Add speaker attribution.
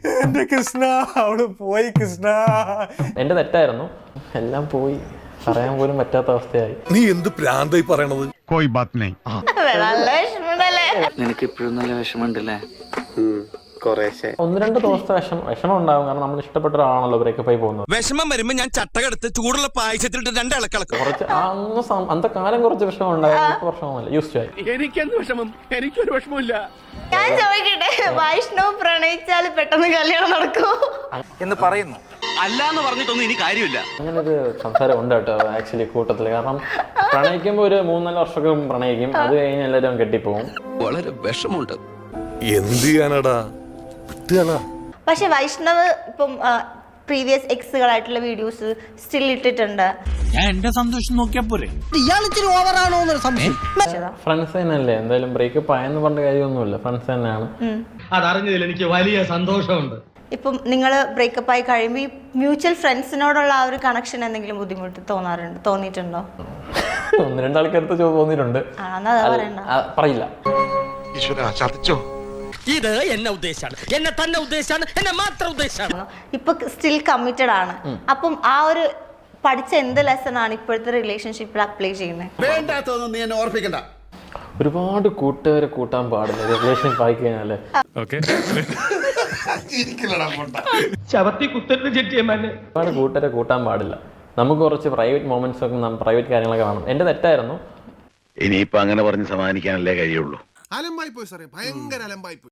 Speaker 1: എന്റെ കൃഷ്ണ അവള് പോയി കൃഷ്ണ.
Speaker 2: എന്റെ തെറ്റായിരുന്നു, എല്ലാം പോയി, പറയാൻ പോലും പറ്റാത്ത അവസ്ഥയായി.
Speaker 1: നീ എന്ത് പ്രാന്തായി പറയണത്?
Speaker 3: कोई बात नहीं.
Speaker 4: നിനക്ക് ഇപ്പോഴും നല്ല വിഷമമുണ്ടല്ലേ?
Speaker 2: ഒന്ന് രണ്ട് ദിവസത്തെ വിഷമം ഉണ്ടാവും, കാരണം നമ്മൾ ഇഷ്ടപ്പെട്ട ഒരാളാണല്ലോ ബ്രേക്കപ്പ് ആയി പോകുന്നത്.
Speaker 5: വിഷമം വരുമ്പോ ഞാൻ ചട്ടകെടുത്ത് ചൂടുള്ള പായസത്തിലിട്ട് രണ്ടിളക്കിളക്കും.
Speaker 2: കുറച്ച് അന്നത്തെ കാലം കുറച്ച് വിഷമം ഉണ്ടായിരുന്നു, വിഷമമല്ല, യൂസ് ആയി.
Speaker 5: എനിക്കെന്ത് വിഷമം? എനിക്കൊരു വിഷമമില്ല.
Speaker 6: ഞാൻ ചോദിക്കട്ടെ, വൈഷ്ണവ് പ്രണയിച്ചാൽ പെട്ടെന്ന് കല്യാണം നടക്കുമോ
Speaker 4: എന്ന് പറയുന്നു.
Speaker 5: അല്ലാന്ന് പറഞ്ഞിട്ടൊന്നും ഇനി കാര്യമില്ല.
Speaker 2: അങ്ങനെ ഒരു സംസാരം ഉണ്ട് കേട്ടോ ആക്ച്വലി കൂട്ടത്തില്. കാരണം പ്രണയിക്കുമ്പോ ഒരു 3-4 വർഷമൊക്കെ പ്രണയിക്കും, അത് കഴിഞ്ഞ് എല്ലാവരും കെട്ടിപ്പോവും.
Speaker 5: വളരെ വിഷമുണ്ട്.
Speaker 1: എന്ത് ചെയ്യാനടാ?
Speaker 6: പക്ഷെ വൈഷ്ണവ് ഇപ്പം പ്രീവിയസ് എക്സുകളായിട്ടുള്ള വീഡിയോസ് സ്റ്റിൽ ഇട്ടിട്ടുണ്ട്.
Speaker 7: ഞാൻ എന്റെ സന്തോഷം നോക്കിയാ പോരെ.
Speaker 2: ഫ്രണ്ട്സ് തന്നെയല്ലേ, എന്തായാലും ബ്രേക്കപ്പ് ആയെന്ന് പറഞ്ഞ കാര്യമൊന്നുമില്ല, ഫ്രണ്ട്സ് തന്നെയാണ്.
Speaker 7: അതറിഞ്ഞതിൽ എനിക്ക് വലിയ സന്തോഷമുണ്ട്.
Speaker 6: ഇപ്പം നിങ്ങൾ ബ്രേക്കപ്പ് ആയി കഴിയുമ്പോൾ ഈ മ്യൂച്വൽ ഫ്രണ്ട്സിനോടുള്ള ആ ഒരു കണക്ഷൻ എന്തെങ്കിലും ബുദ്ധിമുട്ട് തോന്നിയിട്ടുണ്ടോ?
Speaker 2: 1-2 ആൾക്കാർക്ക് തോന്നിയിട്ടുണ്ട്. പറയില്ല.
Speaker 5: ഇത് എന്നെ ഉദ്ദേശാണ്, എന്നെ തന്നെ ഉദ്ദേശാണ്, എന്നെ മാത്രം ഉദ്ദേശാണ്.
Speaker 6: ഇപ്പൊ സ്റ്റിൽ കമ്മിറ്റഡ് ആണ്. അപ്പം ആ ഒരു പഠിച്ച എന്ത് ലെസൺ ആണ് ഇപ്പോഴത്തെ റിലേഷൻഷിപ്പിൽ അപ്ലൈ ചെയ്യുന്നത്?
Speaker 8: വേണ്ടാത്തൊന്നും നീ എന്നെ ഓർപ്പിക്കണ്ട.
Speaker 2: ഒരുപാട് കൂട്ടുകാരെ കൂട്ടാൻ പാടില്ല റിലേഷൻഷിപ്പ് ആയി കഴിഞ്ഞാല്. ഒരുപാട് കൂട്ടുകാരെ കൂട്ടാൻ പാടില്ല. നമുക്ക് കുറച്ച് പ്രൈവറ്റ് മൊമെന്റ്സ് ഒക്കെ, പ്രൈവറ്റ് കാര്യങ്ങളൊക്കെ വേണം. എന്റെ തെറ്റായിരുന്നു.
Speaker 3: ഇനിയിപ്പോ അങ്ങനെ പറഞ്ഞ് സമാധാനിക്കാനല്ലേ കഴിയുള്ളൂ.
Speaker 8: അലമ്പായി പോയി സാറേ, ഭയങ്കര അലമ്പായി പോയി.